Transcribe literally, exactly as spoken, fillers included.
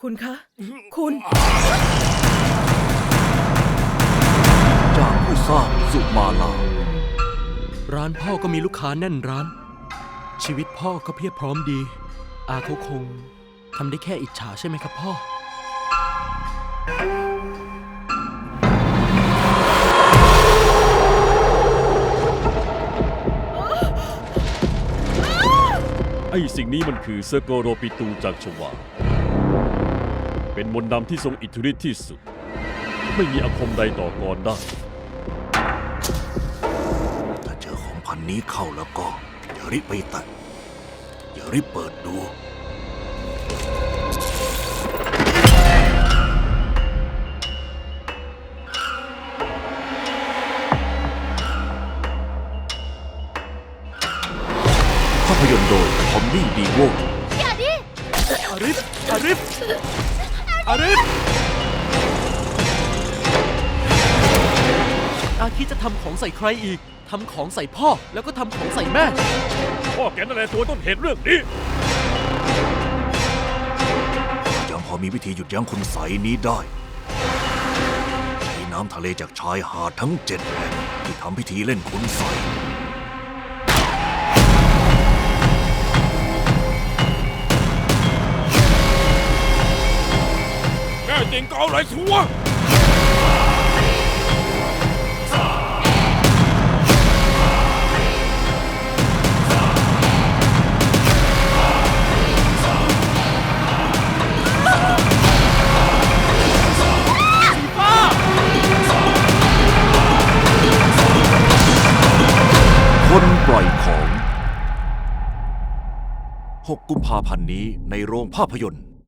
คุณคะคุณจากผู้สร้างสุมาลาร้านพ่อก็มีลูกค้าแน่นร้านชีวิตพ่อก็เพียบพร้อมดีอาเขาคงทำได้แค่อิจฉาใช่ไหมครับพ่อไอ้สิ่งนี้มันคือเซอร์โกโรปิตูจากชวาเป็นมนต์ดำที่ทรงอิทธิฤทธิ์ที่สุดไม่มีอาคมใดต่อกรได้ถ้าเจอของพันนี้เข้าแล้วก็อย่ารีบไปแตะอย่ารีบเปิดดูภาพยนตร์โดยทอมมี่ดีโวอย่าดิอาริฟอาริฟอาริฟอาคิดจะทำของใส่ใครอีกทำของใส่พ่อแล้วก็ทำของใส่แม่พ่อแกนั่นแหละตัวต้นเหตุเรื่องนี้ยังพอมีวิธีหยุดยั้งคุณใสนี้ได้ใช้น้ำทะเลจากชายหาดทั้งเจ็ดแห่งที่ทำพิธีเล่นคุณใสแม่จริงก็เอาอะไรชัวคนปล่อยของหกกุมภาพันธ์นี้ในโรงภาพยนตร์